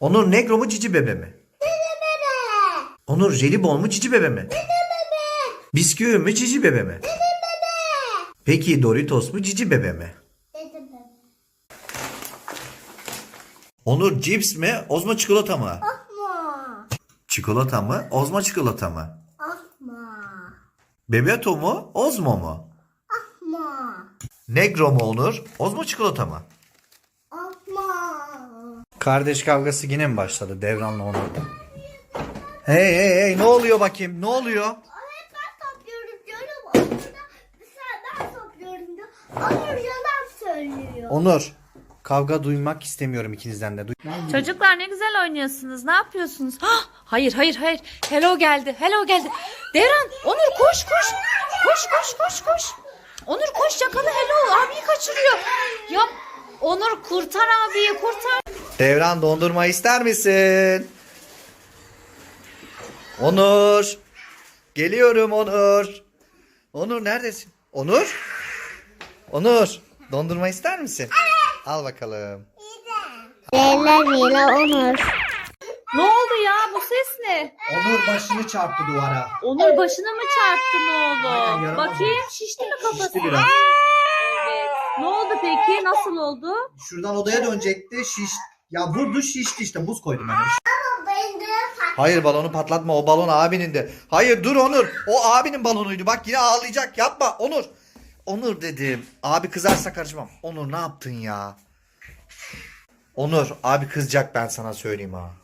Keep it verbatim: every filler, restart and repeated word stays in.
Onur Negro mu Cici Bebe mi? Cici bebe. Onur Jelibon mu Cici Bebe mi? Cici bebe. Bisküvi mi Cici Bebe mi? Cici bebe. Peki Doritos mu Cici Bebe mi? Cici bebe. Onur cips mi Ozma çikolata mı? Asma. Çikolata mı Ozma çikolata mı? Asma. Bebeto mu Ozmo mu? Asma. Negro mu Onur Ozma çikolata mı? Asma. Kardeş kavgası yine mi başladı Devran'la Onur'da? Hey hey hey ne oluyor bakayım ne oluyor? Hep ben topluyorum diyorum. Onur da dışarıdan topluyorum diyor. Onur yalan söylüyor. Onur kavga duymak istemiyorum ikinizden de. Duy- Çocuklar ne güzel oynuyorsunuz. Ne yapıyorsunuz? Hah, hayır hayır hayır. Hello geldi. Hello geldi. Devran, Onur koş koş. Koş koş koş koş. Onur koş yakala Hello. Abiyi kaçırıyor. Yap. Onur kurtar abiyi kurtar. Devran dondurma ister misin? Onur. Geliyorum Onur. Onur neredesin? Onur? Onur dondurma ister misin? Al bakalım. Leyla Leyla Onur. Ne oldu ya? Bu ses ne? Onur başını çarptı duvara. Onur başına mı çarptı ne oldu? Aynen, yaramaz Bakayım oldu. şişti mi kafası? Şişti biraz. Evet. Ne oldu peki? Nasıl oldu? Şuradan odaya dönecekti şiş. Ya vurdu şişti işte buz koydum ben. Ben de Hayır balonu patlatma o balon abinin de. Hayır dur Onur o abinin balonuydu bak yine ağlayacak yapma Onur. Onur dedim abi kızarsa karışmam. Onur ne yaptın ya? Onur abi kızacak ben sana söyleyeyim ha.